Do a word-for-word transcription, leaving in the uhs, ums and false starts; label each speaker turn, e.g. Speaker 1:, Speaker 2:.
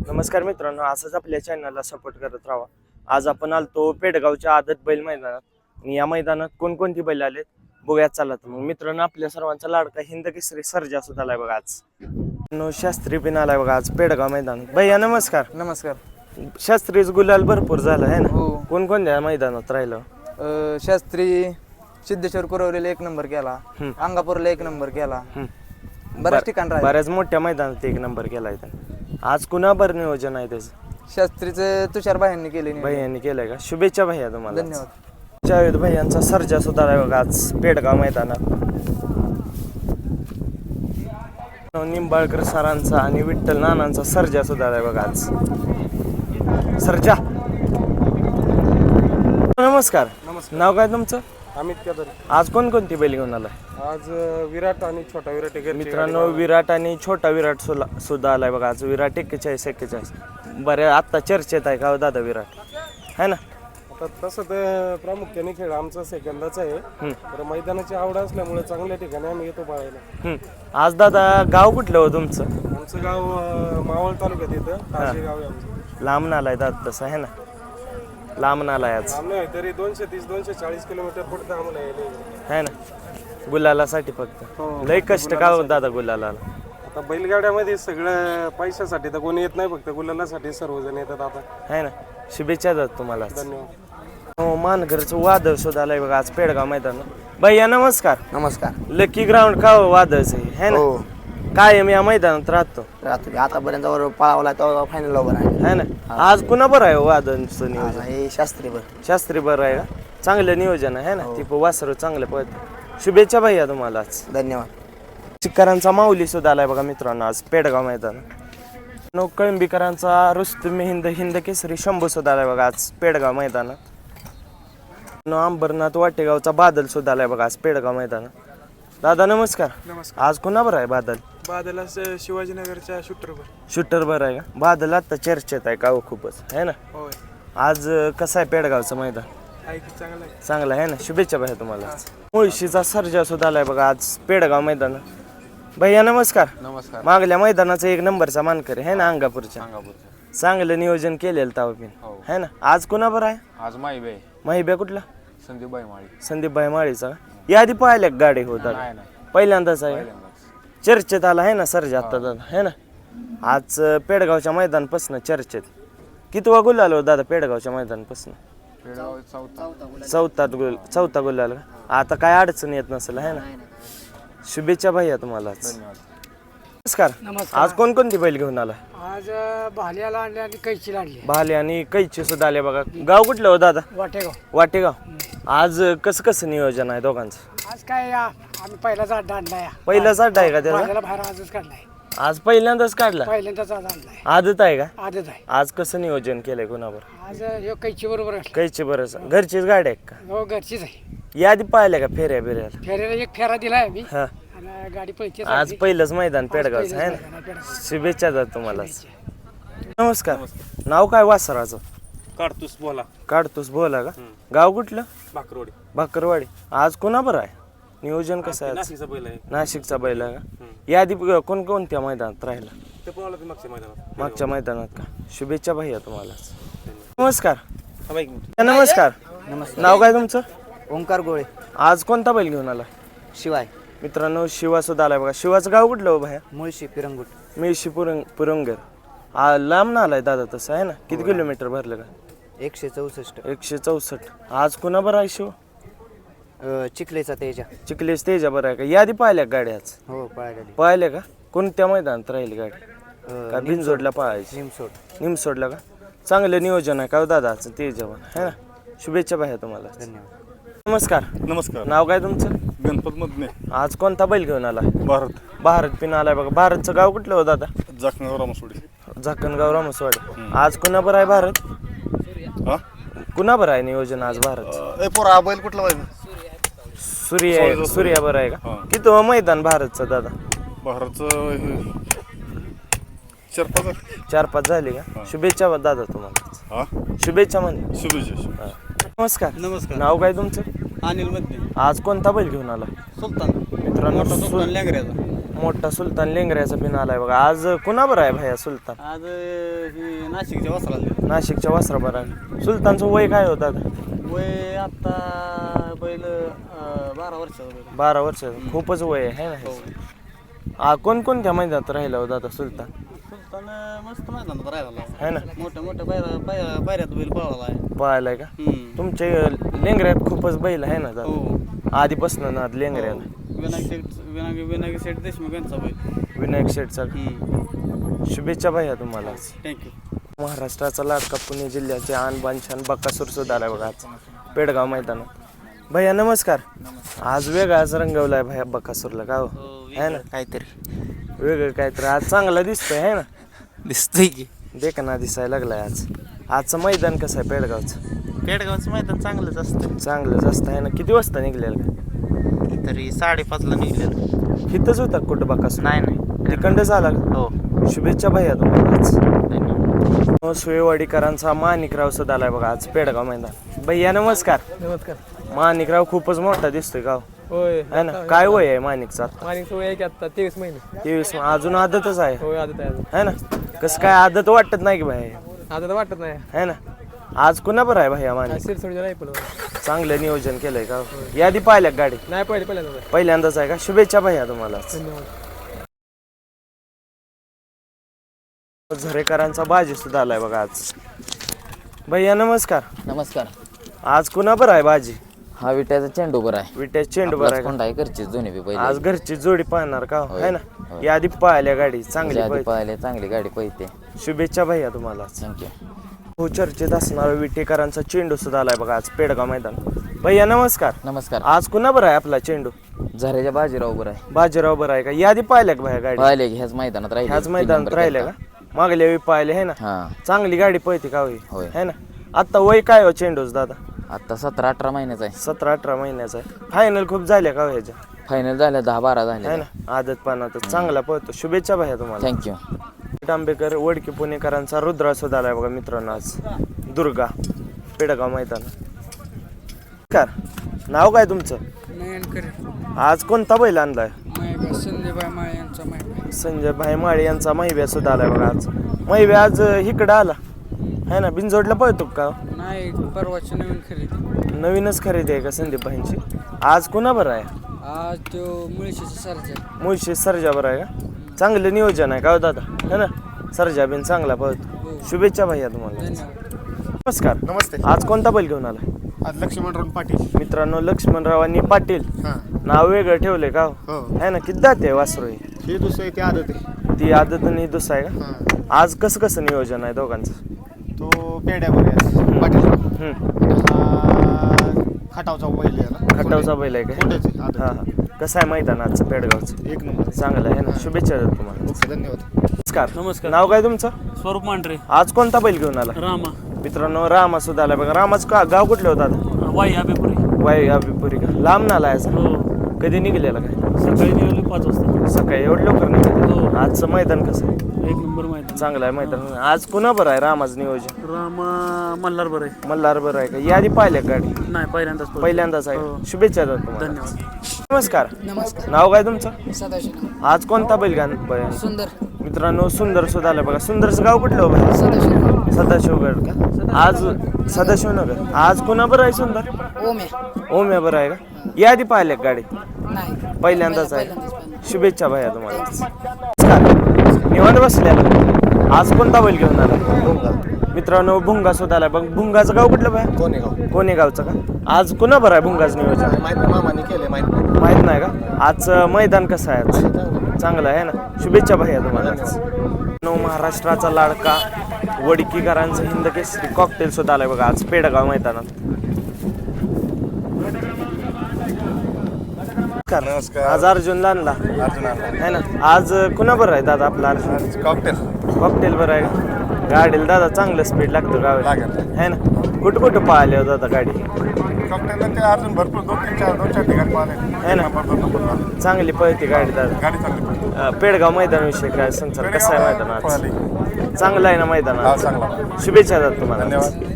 Speaker 1: नमस्कार मित्रांनो, असंच आपल्या चॅनलला सपोर्ट करत राहा. आज आपण आलतो पेडगावच्या आदत बैल मैदानात आणि या मैदानात कोणकोणती बैल आलेत बघूयात. चला तर मग मित्रांनो, आपल्या सर्वांचा लाडका हिंद केसरी सर्जा सुद्धा आलाय बघा आज. नो शास्त्री पण आलाय बघा आज पेडगाव मैदान. भैया नमस्कार.
Speaker 2: नमस्कार.
Speaker 1: शास्त्रीच गुलाल भरपूर झाला आहे ना.
Speaker 2: हो.
Speaker 1: कोणकोणत्या मैदानात राहिलं?
Speaker 2: अ, शास्त्री सिद्धेश्वर कुरवलेला एक नंबर केला, अंगापूरला एक नंबर केला, बऱ्याच ठिकाण राहिलं.
Speaker 1: बऱ्याच मोठ्या मैदानात एक नंबर केलाय त्याने. आज कुणाबर नियोजन आहे त्याचं?
Speaker 2: शास्त्रीचं तुषार भाईंनी केले.
Speaker 1: भैयांनी केलंय का? शुभेच्छा भैया तुम्हाला.
Speaker 2: धन्यवाद.
Speaker 1: जावेद भैयांचा सर्जा सुद्धा आहे बघा आज पेडगाव मैदानात. निंबाळकर सरांचा आणि विठ्ठल नानांचा सर्जा सुद्धा आहे बघा आज. सर्जा नमस्कार.
Speaker 3: नमस्कार.
Speaker 1: नाव काय तुमचं?
Speaker 3: अमित केदार.
Speaker 1: आज कोणकोणती बैल घेऊन आलाय?
Speaker 3: आज विराट आणि छोटा विराट आहे.
Speaker 1: मित्रांनो, विराट आणि छोटा विराट सुला- सुद्धा आलाय बघा आज. विराट एक्केचाळीस एक्केचाळीस बऱ्या आत्ता चर्चेत आहे का हो दादा विराट, है ना?
Speaker 3: आता तसं तर प्रामुख्याने खेळ आमचा सेकंदाचा आहे, तर मैदानाची आवड असल्यामुळे चांगल्या ठिकाणी आम्ही येतो पाहायला.
Speaker 1: हम्म. आज दादा गाव कुठलं हो तुमचं?
Speaker 3: आमचं गाव अं, मावळ तालुक्यात येतं. ताजे गाव आहे आमचं.
Speaker 1: लांब नालाय दादा तसं, आहे ना? लांब नालाय आज,
Speaker 3: लांब नाही तरी दोनशे तीस दोनशे चाळीस किलोमीटर पुढे आम्हाला यायला.
Speaker 1: है ना? गुलालासाठी फक्त लय कष्ट का हो दादा गुलाला?
Speaker 3: आता बैलगाड्यामध्ये सगळं पैशासाठी तर कोणी येत नाही, फक्त गुलालासाठी सर्वजण येतात आता.
Speaker 1: है ना? शुभेच्छा दादा तुम्हाला.
Speaker 3: धन्यवाद.
Speaker 1: हो, मानघरचं वादळ सुद्धा आलंय बघा आज पेडगाव मैदान. भैया नमस्कार.
Speaker 2: नमस्कार.
Speaker 1: लकी ग्राउंड का हो वादळचं आहे, है ना? कायम या मैदानात राहतो,
Speaker 2: रात्री आतापर्यंत पळावला तो फायनल ओव्हर आहे.
Speaker 1: है ना? आज कुणा बरं आहे हो वादळचं नियोजन?
Speaker 2: हे शास्त्री बर.
Speaker 1: शास्त्री बरं आहे का? चांगलं नियोजन आहे ना? ती वासरू चांगलं पळतं. शुभेच्छा भैया तुम्हाला आज.
Speaker 2: धन्यवाद.
Speaker 1: चिक्करांचा माऊली सुद्धा आलाय बघा मित्रांनो आज पेडगाव मैदान. नो कळंबीकरांचा रुस्तुम हिंद हिंद केसरी शंभू सुद्धा आलाय बघा आज पेडगाव मैदानात. नो अंबरनाथ वाटेगावचा बादल सुद्धा आलाय बघा आज पेडगाव मैदानात. दादा नमस्कार.
Speaker 3: नमस्कार.
Speaker 1: आज कुणाबर आहे बादल?
Speaker 3: बादला शिवाजीनगरच्या शूटरवर.
Speaker 1: शूटर बरं आहे का? बादल आता चर्चेत आहे का हो खूपच, है ना?
Speaker 3: होय.
Speaker 1: आज अं, कसं आहे पेडगावचं मैदान?
Speaker 3: आहे की चांगलं आहे.
Speaker 1: चांगलं आहे ना? शुभेच्छा भैया तुम्हाला. मुळशीचा सर्जा सुद्धा आलाय बघा आज पेडगाव मैदान. भैया नमस्कार.
Speaker 4: नमस्कार.
Speaker 1: मागल्या मैदानाचा एक नंबरचा मानकरी आहे ना अंगापूरच्या.
Speaker 4: अंगापूरचं.
Speaker 1: चांगलं नियोजन केलेलं तावपिन,
Speaker 4: हो.
Speaker 1: है ना? आज कुणा बरं आहे?
Speaker 4: आज माईबाई
Speaker 1: माहिब्या कुठला?
Speaker 4: संदीपबाई माळी.
Speaker 1: संदीपभाई माळीचा का? याआधी पाहिल्या का गाडी होता?
Speaker 4: नाही नाही
Speaker 1: पहिल्यांदाच आहे.
Speaker 4: पहिल्यांदाच.
Speaker 1: चर्चेत आला आहे ना सर्जा आता दादा, है ना? आज अं, पेडगावच्या मैदानपासून चर्चेत कितवा गुल आलो दादा पेडगावच्या मैदानपासून?
Speaker 4: पेडगाव चौथा.
Speaker 1: चौथा गुल चौथा गुल आला. आता काय अडचण येत नसेल, है ना? शुभेच्छा भैया तुम्हाला.
Speaker 4: धन्यवाद.
Speaker 1: नमस्कार. आज कोणकोणती बैल घेऊन आला?
Speaker 5: आज भाल्याला आणले आणि कैचीला आणली.
Speaker 1: भाले आणि कैची सुद्धा आले बघा. गाव कुठलं हो दादा?
Speaker 5: वाटेगाव.
Speaker 1: वाटेगाव. आज कसं कसं नियोजन आहे दोघांचं?
Speaker 5: आज काय या आम्ही पहिलाच अड्डा आणलाय.
Speaker 1: पहिलाच अड्डा आहे का त्याचा?
Speaker 5: भाल्याला बाहेर आजच काढलाय.
Speaker 1: आज पहिल्यांदाच काढला?
Speaker 5: पहिल्यांदाच आज आणलाय.
Speaker 1: आदत आहे का?
Speaker 5: आजच आहे.
Speaker 1: आज कसं नियोजन केलंय कोणावर?
Speaker 5: आज ह्यो कैची बरोबर असला.
Speaker 1: कैची बरंच घरचीच गाडी आहे का?
Speaker 5: हो घरचीच आहे.
Speaker 1: याआधी पाहिल्या का फेऱ्या बिऱ्याला?
Speaker 5: फेऱ्याला एक फेरा दिलाय आम्ही
Speaker 1: हा.
Speaker 5: आणि गाडी पळते.
Speaker 1: आज पहिलंच मैदान पेडगावचं आहे ना? शुभेच्छा द्या तुम्हाला. नमस्कार. नाव काय वासराचं?
Speaker 3: काढतोस बोला.
Speaker 1: काढतोस बोला का? गाव कुठलं?
Speaker 3: भाकरवाडी.
Speaker 1: भाकरवाडी. आज कोणा बरं आहे? नियोजन कसं आहे आज?
Speaker 3: नाशिकचा बैल आहे.
Speaker 1: नाशिकचा बैल आहे का? याआधी कोणकोणत्या मैदानात राहिला?
Speaker 3: ते पण आलं ते मागच्या मैदानात.
Speaker 1: मागच्या मैदानात का? शुभेच्छा भैया तुम्हाला. नमस्कार.
Speaker 3: थांबा एक मिनिट.
Speaker 1: नमस्कार. नाव काय तुमचं?
Speaker 2: ओंकार गोळे.
Speaker 1: आज कोणता बैल घेऊन आला?
Speaker 2: शिवाय.
Speaker 1: मित्रांनो, शिवा सुद्धा आलाय बघा. शिवाचं गाव कुठलं हो भैया?
Speaker 2: मुळशी पिरंगुट.
Speaker 1: मेळशी पुरंग पुरंगर. आ लांब ना आलाय दादा तसं, आहे ना? किती किलोमीटर भरलं का?
Speaker 2: एकशे चौसष्ट.
Speaker 1: एकशे चौसष्ट. आज कुणा बरं आहे शिव?
Speaker 2: चिखलेचा तेजा.
Speaker 1: चिखलेश तेजा बरं आहे का? यादी पाहिल्या का गाडी आज?
Speaker 2: हो पळाली.
Speaker 1: पाहिल्या का? कोणत्या मैदानात राहील गाडी? का बिनजोडला पाहायची?
Speaker 2: निमसोड.
Speaker 1: निमसोडला का? चांगलं नियोजन आहे का हो दादाचं तेजा पण, है ना? शुभेच्छा भैया तुम्हाला.
Speaker 2: धन्यवाद.
Speaker 1: नमस्कार.
Speaker 6: नमस्कार.
Speaker 1: नाव काय तुमचं?
Speaker 6: गणपत मधने
Speaker 1: आज कोणता बैल घेऊन आला?
Speaker 6: भारत.
Speaker 1: भारत पिन आलाय बघा. भारतचं गाव कुठलं हो दादा?
Speaker 6: जाखणगाव रामसोडी.
Speaker 1: झाकणगाव रामसवाडी. आज कुणा बरं आहे भारत?
Speaker 6: हा
Speaker 1: कुणा बरं आहे नियोजन आज भारत?
Speaker 6: ए पोरा बैल कुठला पाहिजे?
Speaker 1: सूर्य आहे. सूर्या बरं आहे का?
Speaker 6: हा.
Speaker 1: किती हो मैदान भारतचं दादा?
Speaker 6: भारतचं हे चार पाच आहे.
Speaker 1: चार पाच झाले का? शुभेच्छा दादा तुम्हाला.
Speaker 6: हा
Speaker 1: शुभेच्छा म्हणजे.
Speaker 6: शुभेच्छा.
Speaker 1: नमस्कार.
Speaker 7: नमस्कार.
Speaker 1: नाव काय तुमचं?
Speaker 7: अनिल मध्ये.
Speaker 1: आज कोणता बैल घेऊन आला?
Speaker 7: सुलतान.
Speaker 1: मित्रांनो,
Speaker 7: मोठा सुलतान
Speaker 1: सु-
Speaker 7: लँगऱ्याचा.
Speaker 1: मोठा सुलतान लेंगऱ्याचा पिन आलाय बघा. आज कुणाबर आहे भाया सुलतान?
Speaker 7: आज ही नाशिकच्या वस्त्राला
Speaker 1: नाशिकच्या वस्त्राबर आहे. सुलतानचं वय काय होतं आता?
Speaker 7: वय आता बैल अं, बारा वर्षाचा बैल.
Speaker 1: बारा वर्ष खूपच वय आहे है ना. हा कोणकोणत्या मैदानात राहिला होता आता सुलतान?
Speaker 7: सुलतान मस्त मैदानात राहिला
Speaker 1: है ना.
Speaker 7: मोठ्या मोठ्या पायऱ्या पाय- पायऱ्यात बैल पळाला आहे.
Speaker 1: पळायलाय का?
Speaker 7: हम्म.
Speaker 1: तुमचे लेंगऱ्यात खूपच बैल आहे ना दादा?
Speaker 7: हो
Speaker 1: आधीपासून ना लेंगऱ्याला.
Speaker 7: विनायक शेठ विनायक विनायक शेठ देशमुख यांचा बैल.
Speaker 1: विनायक शेठचा शुभेच्छा भैया तुम्हाला.
Speaker 7: थँक्यू.
Speaker 1: महाराष्ट्राचा लाडका पुणे जिल्ह्याचे आणबान छान बकासूर सुद्धा आलाय बघा आज पेडगाव मैदानात. भैया नमस्कार. आज वेगळाच रंगवलाय भैया बकासूरला का हो? है ना
Speaker 2: काहीतरी
Speaker 1: वेगळं काहीतरी आज चांगला दिसतोय है ना.
Speaker 2: दिसतंय की
Speaker 1: देखना दिसायला लागलाय आज. आजचं मैदान कसं आहे पेडगावचं?
Speaker 2: पेडगावचं मैदान चांगलंच असतं.
Speaker 1: चांगलंच असतं आहे ना. किती वाजता निघलेलं का?
Speaker 2: तरी साडेपाचला निघलेलं.
Speaker 1: इथंच होता कुठं बकासूर?
Speaker 2: नाही नाही
Speaker 1: तिकडंच आला का?
Speaker 2: हो
Speaker 1: शुभेच्छा भैया तुम्हाला आज.
Speaker 2: धन्यवाद.
Speaker 1: सुवेवाडीकरांचा माणिकराव सुद्धा आलाय बघा आज पेडगाव मैदान. भैया नमस्कार.
Speaker 8: नमस्कार.
Speaker 1: माणिकराव खूपच मोठा दिसतोय गाव
Speaker 8: होय
Speaker 1: है ना. काय वय आहे माणिकचा?
Speaker 8: माणिक सोय आहे की आता तेवीस महिने.
Speaker 1: तेवीस अजून आदतच आहे
Speaker 8: होय आदत आहे अजून.
Speaker 1: है ना. कसं काय आदत वाटत नाही की भाई
Speaker 8: आता तर वाटत नाही.
Speaker 1: है ना. आज कुणा बरं आहे भैया माणिक?
Speaker 8: शिरसोडीच्या नाही पण
Speaker 1: चांगलं नियोजन केलंय का? यादी पाहिल्या का गाडी?
Speaker 8: नाही पहिले पहिल्यांदा.
Speaker 1: पहिल्यांदाच आहे का? शुभेच्छा भैया तुम्हाला.
Speaker 8: धन्यवाद.
Speaker 1: झरेकरांचा बाजी सुद्धा आलाय बघा आज. भैया नमस्कार.
Speaker 2: नमस्कार.
Speaker 1: आज कुणा बरं आहे बाजी?
Speaker 2: हा विट्याचा चेंडू बरं आहे.
Speaker 1: विट्या चेंडू बरं आहे का?
Speaker 2: कोंडा आहे घरचीच दोन्ही बी पहिले.
Speaker 1: आज घरची जोडी पाहणार का
Speaker 2: होय.
Speaker 1: है ना.
Speaker 2: होय.
Speaker 1: यादी पाहिल्या गाडी चांगली
Speaker 2: आधी
Speaker 1: पाहिजे.
Speaker 2: पाहिले चांगली गाडी पळते.
Speaker 1: शुभेच्छा भैया तुम्हाला.
Speaker 2: थँक्यू.
Speaker 1: हो चर्चेत असणारा विटेकरांचा चेंडू सुद्धा आलाय बघा आज पेडगाव मैदान. भैया नमस्कार.
Speaker 2: नमस्कार.
Speaker 1: आज कुणा बरं आहे आपला चेंडू?
Speaker 2: झऱ्याच्या बाजीराव बरं आहे.
Speaker 1: बाजीराव बरं आहे का? यादी पाहिल्या का भैया गाडी?
Speaker 2: पाहिले की ह्याच मैदानात राहिले.
Speaker 1: ह्याच
Speaker 2: तीन
Speaker 1: मैदानात
Speaker 2: नंबर
Speaker 1: राहिल्या
Speaker 2: केलता.
Speaker 1: का? मागल्या वेळी पाहिले है ना.
Speaker 2: हा
Speaker 1: चांगली गाडी पळते का होई?
Speaker 2: होय.
Speaker 1: है ना. आता वय काय हो चेंडूच दादा?
Speaker 2: आता सतरा अठरा महिन्याचा आहे.
Speaker 1: सतरा अठरा महिन्याचा आहे. फायनल खूप झाल्या का हो ह्याच्या?
Speaker 2: फायनल झाल्या दहा बारा
Speaker 1: है
Speaker 2: झाल्या.
Speaker 1: ना. आदत पानात चांगला पळतो. शुभेच्छा भैया तुम्हाला.
Speaker 2: थँक्यू.
Speaker 1: आंबेकर वडकी पुणेकरांचा रुद्रा सुद्धा आलाय बघा मित्रांनो आज दुर्गा पेडगाव मैदान. नमस्कार. नाव काय तुमचं?
Speaker 5: नयनकर
Speaker 1: आज कोणता बैल आणलाय?
Speaker 5: मायबा संजयबाई माळे यांचा मायबा.
Speaker 1: संजय भाई माळे यांचा महिब्या सुद्धा आलाय बघा आज. महिब्या आज इकडं आला है ना. बिनजोडला पळतो का?
Speaker 5: नाही परवाची नवीन खरेदी.
Speaker 1: नवीनच खरेदी आहे का संदीप भाईंची? आज कुणा बरं आहे?
Speaker 5: आज तो मुळशीचा सर्जा.
Speaker 1: मुळशी सर्जा बरं आहे का? चांगलं नियोजन आहे का हो दादा है ना. सर्जा बिन चांगला पळतो. शुभेच्छा भैया तुम्हाला. नमस्कार.
Speaker 6: नमस्ते.
Speaker 1: आज कोणता बैल घेऊन आला?
Speaker 6: आज लक्ष्मणराव पाटील.
Speaker 1: मित्रांनो लक्ष्मणरावांनी पाटील
Speaker 6: हां
Speaker 1: नाव वेगळं ठेवलंय का
Speaker 6: हो.
Speaker 1: है ना. किती जाते वासरू ही?
Speaker 6: हे दुसरं ते आदत आहे.
Speaker 1: ती आदत आणि दुसरा आहे का?
Speaker 6: हां
Speaker 1: आज कसं कसं नियोजन आहे दोघांचं?
Speaker 6: तो पेड्यावर आहे पाटील.
Speaker 1: हम्म.
Speaker 6: हा खटावचा बैल याला.
Speaker 1: खटावचा बैल आहे का?
Speaker 6: मोठेच आहे आदत.
Speaker 1: हा हा. कसं आहे मैदान आजचं पेडगावचं?
Speaker 6: एक नंबर.
Speaker 1: चांगलं आहे ना. शुभेच्छा देतो तुम्हाला.
Speaker 6: ओके धन्यवाद.
Speaker 1: नमस्कार.
Speaker 5: नमस्कार.
Speaker 1: नाव काय तुमचं?
Speaker 5: स्वरूप मांढरे.
Speaker 1: आज कोणता बैल घेऊन आला?
Speaker 5: रामा.
Speaker 1: मित्रांनो रामा सुद्धा आला बघा. रामाच का गाव कुठलं होतं आता?
Speaker 5: वाई आबेपुरी.
Speaker 1: वाई अभिपुरी का? लांब नाला आहे
Speaker 5: हो.
Speaker 1: कधी निघलेला काय?
Speaker 5: सकाळी निघालो पाच वाजता.
Speaker 1: सकाळी एवढं लवकर निघाले.
Speaker 5: हो.
Speaker 1: आजचं मैदान कसं आहे?
Speaker 5: एक नंबर मैदान.
Speaker 1: चांगलं आहे मैदान. आज कुणा बरं आहे रामाचं नियोजन?
Speaker 5: रामा मल्हार बरं आहे.
Speaker 1: मल्हार बरं आहे का? यादी पाहिल्या का गाडी?
Speaker 5: नाही पहिल्यांदाच पळतो.
Speaker 1: पहिल्यांदाच आहे.
Speaker 5: हो.
Speaker 1: शुभेच्छा देतो तुम्हाला.
Speaker 5: धन्यवाद.
Speaker 1: नमस्कार.
Speaker 5: नमस्कार.
Speaker 1: नाव काय तुमचं?
Speaker 5: सदाशिव.
Speaker 1: आज कोणता बैल गाण बैल?
Speaker 5: सुंदर.
Speaker 1: मित्रांनो सुंदर सुद्धा आलं बघा. सुंदरचं गाव कुठलं हो बाई?
Speaker 5: सदाशिव.
Speaker 1: सदाशिवगड का? आज सदाशिवनगर. आज कोणा बरं आहे सुंदर?
Speaker 5: ओमे.
Speaker 1: ओम्या बरं आहे का? यादी पाहिल्या का गाडी?
Speaker 5: नाही
Speaker 1: पहिल्यांदाच आहे. शुभेच्छा भैया तुम्हाला. नमस्कार. निवांत बसल्या. आज कोणता बैल घेऊन आला? मित्रांनो भुंगा सुद्धा आला बघ. भुंगाचं गाव कुठलं बाय?
Speaker 3: कोणेगाव.
Speaker 1: कोणी गावचं का? आज कुणा बरं आहे भुंगाचं नियोजन?
Speaker 3: माहित नाही मामाने केले माहित नाही.
Speaker 1: माहित नाही का? आजचं मैदान कसं आहे? आज चांगलं आहे ना. शुभेच्छा भैया तुम्हाला. नऊ महाराष्ट्राचा लाडका वडकीकरांचं हिंद केसरी कॉकटेल सुद्धा आलाय बघा आज पेडगाव मैदानात.
Speaker 6: नमस्कार.
Speaker 1: आज अर्जुन आणला
Speaker 6: अर्जुन
Speaker 1: है ना. आज कुणा बरं आहे दादा आपला अर्जुन?
Speaker 6: कॉकटेल
Speaker 1: कॉकटेल बरं आहे का? गाडीला दादा चांगलं स्पीड लागतं गावाला
Speaker 6: लागेल.
Speaker 1: है ना. कुठं कुठं पाहिले हो दादा गाडी?
Speaker 6: कॉकटेलला ते अर्जुन भरपूर दोन तीन चार दोन चार ठिकाणी पाहिले.
Speaker 1: है ना.
Speaker 6: नंबर दोन नंबर झाले.
Speaker 1: चांगली पळते गाडी दादा.
Speaker 6: गाडी चांगली
Speaker 1: अं, पेडगाव मैदानाविषयी काय संसार कसं आहे मैदान आज? चांगलं आहे ना मैदान
Speaker 6: हा
Speaker 1: आज?
Speaker 6: चांगला.
Speaker 1: शुभेच्छा दादा तुम्हाला.
Speaker 6: धन्यवाद.